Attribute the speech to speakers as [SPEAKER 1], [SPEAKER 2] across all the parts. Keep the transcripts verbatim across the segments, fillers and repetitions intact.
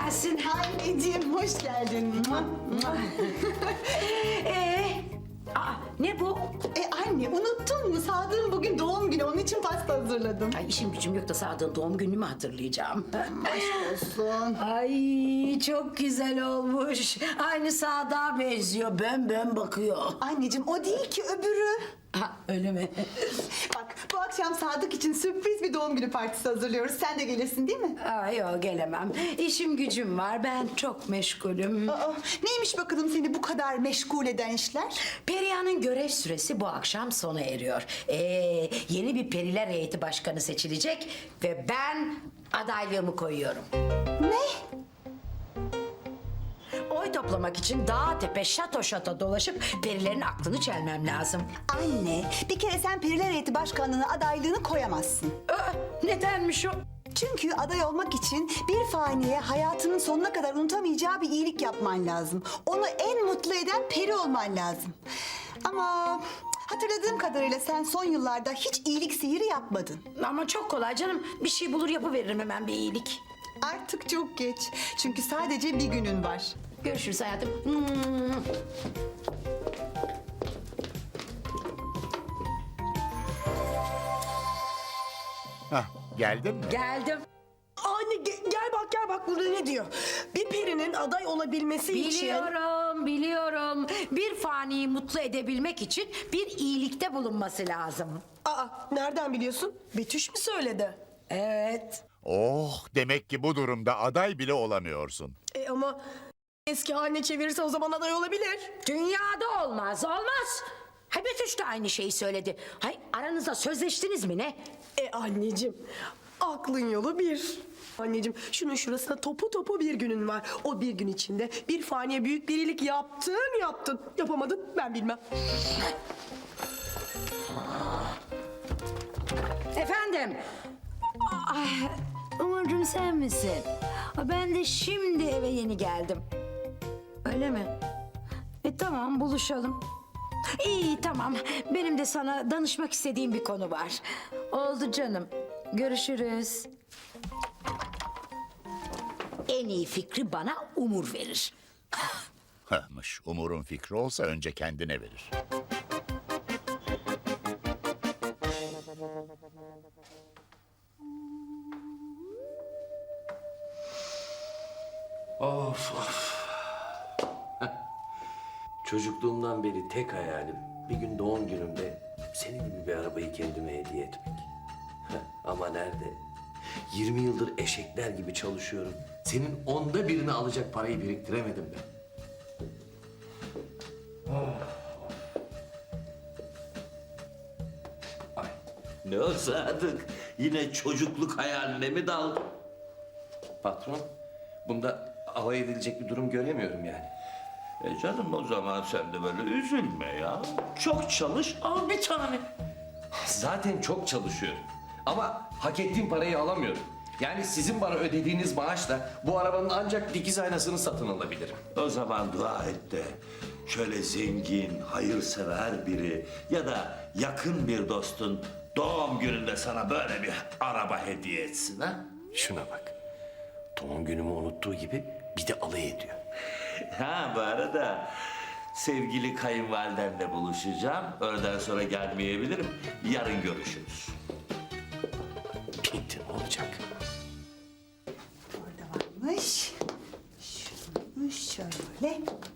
[SPEAKER 1] gelsin.
[SPEAKER 2] Anneciğim hoş geldin.
[SPEAKER 1] ee, aa, ne bu?
[SPEAKER 2] E anne unuttun mu? Sadık'ın bugün doğum günü, onun için pasta hazırladım.
[SPEAKER 1] Ay işim gücüm yok da Sadık'ın doğum gününü mü hatırlayacağım?
[SPEAKER 2] Aşk olsun.
[SPEAKER 1] Ay çok güzel olmuş. Aynı Sadık'a benziyor. Bön bön bakıyor.
[SPEAKER 2] Anneciğim o değil ki, öbürü.
[SPEAKER 1] Ha, öyle mi?
[SPEAKER 2] Bak bu akşam Sadık için sürpriz bir doğum günü partisi hazırlıyoruz. Sen de gelirsin değil mi?
[SPEAKER 1] Ay yok gelemem. İşim gücüm var. Ben çok meşgulüm.
[SPEAKER 2] Aa, neymiş bakalım seni bu kadar meşgul eden işler?
[SPEAKER 1] Perihan'ın görev süresi bu akşam sona eriyor. Ee, yeni bir periler heyeti başkanı seçilecek ve ben adaylığımı koyuyorum.
[SPEAKER 2] Ne?
[SPEAKER 1] Oy toplamak için dağ tepe şato şato dolaşıp perilerin aklını çelmem lazım.
[SPEAKER 2] Anne bir kere sen Periler Heyeti Başkanlığı'na adaylığını koyamazsın.
[SPEAKER 1] Aa, nedenmiş o?
[SPEAKER 2] Çünkü aday olmak için bir faniye hayatının sonuna kadar unutamayacağı bir iyilik yapman lazım. Onu en mutlu eden peri olman lazım. Ama hatırladığım kadarıyla sen son yıllarda hiç iyilik sihiri yapmadın.
[SPEAKER 1] Ama çok kolay canım. Bir şey bulur yapıveririm hemen bir iyilik.
[SPEAKER 2] Artık çok geç. Çünkü sadece bir günün var.
[SPEAKER 1] Görüşürüz hayatım. Hmm.
[SPEAKER 3] Hah, geldin mi?
[SPEAKER 1] Geldim.
[SPEAKER 4] Anne ge- gel bak gel bak burada ne diyor? Bir perinin aday olabilmesi için...
[SPEAKER 1] Biliyorum, biliyorum. Bir faniyi mutlu edebilmek için bir iyilikte bulunması lazım.
[SPEAKER 4] Aa nereden biliyorsun? Betüş mü söyledi?
[SPEAKER 1] Evet.
[SPEAKER 3] Oh, demek ki bu durumda aday bile olamıyorsun.
[SPEAKER 4] E ama eski haline çevirirse o zaman aday olabilir.
[SPEAKER 1] Dünyada olmaz, olmaz. Hay Betüş de aynı şeyi söyledi. Hay aranızda sözleştiniz mi ne?
[SPEAKER 4] E anneciğim aklın yolu bir. Anneciğim şunun şurasına topu topu bir günün var. O bir gün içinde bir faniye büyük bir iyilik yaptın yaptın. Yapamadın ben bilmem.
[SPEAKER 1] Efendim? Ay, Umurcuğum sen misin? Ben de şimdi eve yeni geldim. Öyle mi? E tamam buluşalım. İyi tamam. Benim de sana danışmak istediğim bir konu var. Oldu canım. Görüşürüz. En iyi fikri bana Umur verir.
[SPEAKER 3] Hahmış, Umur'un fikri olsa önce kendine verir.
[SPEAKER 5] Of of. Çocukluğumdan beri tek hayalim bir gün doğum günümde senin gibi bir arabayı kendime hediye etmek. Ama nerede? yirmi yıldır eşekler gibi çalışıyorum. Senin onda birini alacak parayı biriktiremedim ben. Ay.
[SPEAKER 6] Ne o Sadık? Yine çocukluk hayaline mi daldın?
[SPEAKER 5] Patron, bunda alay edilecek bir durum göremiyorum yani.
[SPEAKER 6] E canım o zaman sen de böyle üzülme ya. Çok çalış, al bir tane.
[SPEAKER 5] Zaten çok çalışıyorum. Ama hak ettiğim parayı alamıyorum. Yani sizin bana ödediğiniz maaşla bu arabanın ancak dikiz aynasını satın alabilirim.
[SPEAKER 6] O zaman dua et de şöyle zengin, hayırsever biri ya da yakın bir dostun doğum gününde sana böyle bir araba hediye etsin ha?
[SPEAKER 5] Şuna bak. Doğum günümü unuttuğu gibi bir de alay ediyor.
[SPEAKER 6] Ha bu arada sevgili kayınvalidenle buluşacağım. Öğleden sonra gelmeyebilirim. Yarın görüşürüz.
[SPEAKER 5] Bitti ne olacak?
[SPEAKER 2] Orada varmış. Şunu şöyle.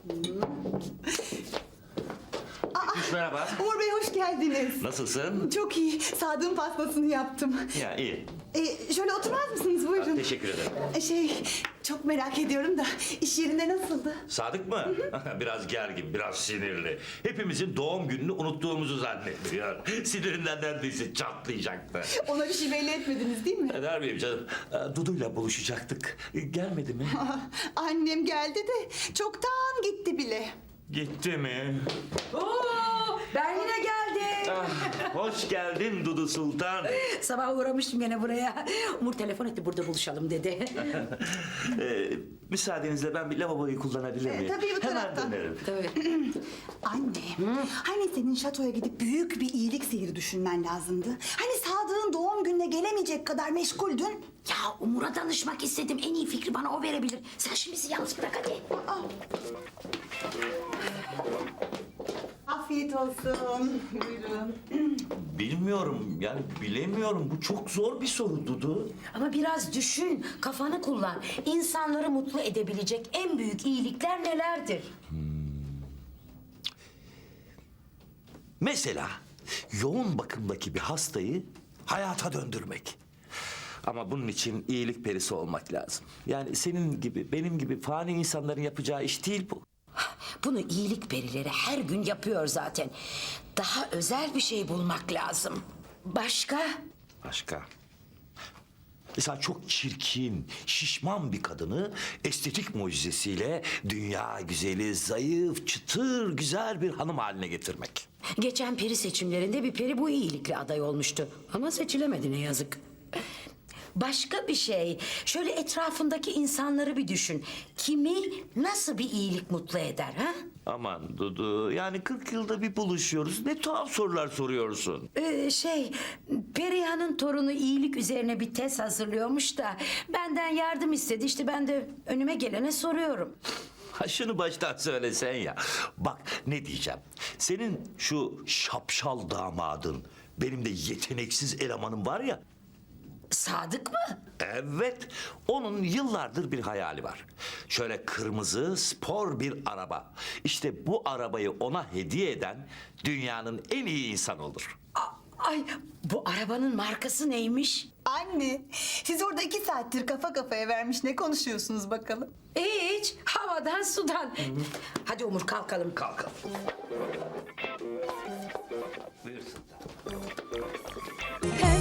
[SPEAKER 6] Merhaba.
[SPEAKER 2] Umur Bey hoş geldiniz.
[SPEAKER 6] Nasılsın?
[SPEAKER 2] Çok iyi. Sadık'ın pastasını yaptım.
[SPEAKER 6] Ya iyi.
[SPEAKER 2] E, şöyle oturmaz mısınız? Buyurun.
[SPEAKER 6] Teşekkür ederim.
[SPEAKER 2] E, Şey, çok merak ediyorum da iş yerinde nasıldı?
[SPEAKER 6] Sadık mı? Biraz gergin, biraz sinirli. Hepimizin doğum gününü unuttuğumuzu zannediyor. Sinirinden neredeyse çatlayacaktı.
[SPEAKER 2] Ona bir şey belli etmediniz değil mi?
[SPEAKER 6] Eder miyim canım? Ee, Dudu'yla buluşacaktık. Gelmedi mi?
[SPEAKER 2] Annem geldi de çoktan gitti bile.
[SPEAKER 6] Gitti mi?
[SPEAKER 1] Oo, ben yine geldim.
[SPEAKER 6] Ah, hoş geldin Dudu Sultan.
[SPEAKER 1] Sabah uğramıştım gene buraya. Umur telefon etti burada buluşalım dedi.
[SPEAKER 6] Ee, müsaadenizle ben bir lavaboyu kullanabilir miyim?
[SPEAKER 2] tabii, bu
[SPEAKER 6] Hemen
[SPEAKER 2] taraftan.
[SPEAKER 6] dönerim.
[SPEAKER 1] Tabii.
[SPEAKER 2] Anne, hani senin şatoya gidip büyük bir iyilik sihiri düşünmen lazımdı? Hani Sadık'ın doğum gününe gelemeyecek veremeyecek kadar meşguldün.
[SPEAKER 1] Ya Umur'a danışmak istedim. En iyi fikri bana o verebilir. Sen şimdi bizi yalnız bırak hadi.
[SPEAKER 2] Afiyet olsun. Buyurun.
[SPEAKER 6] Bilmiyorum yani bilemiyorum. Bu çok zor bir soru Dudu.
[SPEAKER 1] Ama biraz düşün, kafanı kullan. İnsanları mutlu edebilecek en büyük iyilikler nelerdir?
[SPEAKER 6] Mesela yoğun bakımdaki bir hastayı hayata döndürmek. Ama bunun için iyilik perisi olmak lazım. Yani senin gibi, benim gibi fani insanların yapacağı iş değil bu.
[SPEAKER 1] Bunu iyilik perileri her gün yapıyor zaten. Daha özel bir şey bulmak lazım. Başka?
[SPEAKER 6] Başka? Mesela çok çirkin, şişman bir kadını estetik mucizesiyle dünya güzeli, zayıf, çıtır, güzel bir hanım haline getirmek.
[SPEAKER 1] Geçen peri seçimlerinde bir peri bu iyilikle aday olmuştu. Ama seçilemedi ne yazık. Başka bir şey. Şöyle etrafındaki insanları bir düşün. Kimi nasıl bir iyilik mutlu eder ha?
[SPEAKER 6] Aman Dudu, yani kırk yılda bir buluşuyoruz. Ne tuhaf sorular soruyorsun.
[SPEAKER 1] Ee, şey, Periha'nın torunu iyilik üzerine bir tez hazırlıyormuş da benden yardım istedi. İşte ben de önüme gelene soruyorum.
[SPEAKER 6] Ha şunu baştan söylesen ya. Bak ne diyeceğim. Senin şu şapşal damadın, benim de yeteneksiz elemanım var ya.
[SPEAKER 1] Sadık mı?
[SPEAKER 6] Evet, onun yıllardır bir hayali var. Şöyle kırmızı, spor bir araba. İşte bu arabayı ona hediye eden dünyanın en iyi insanı olur.
[SPEAKER 1] A- Ay, bu arabanın markası neymiş?
[SPEAKER 2] Anne, siz orada iki saattir kafa kafaya vermiş ne konuşuyorsunuz bakalım?
[SPEAKER 1] Hiç, havadan sudan. Hadi Umur kalkalım.
[SPEAKER 6] Kalkalım. Buyursun.
[SPEAKER 7] Pembe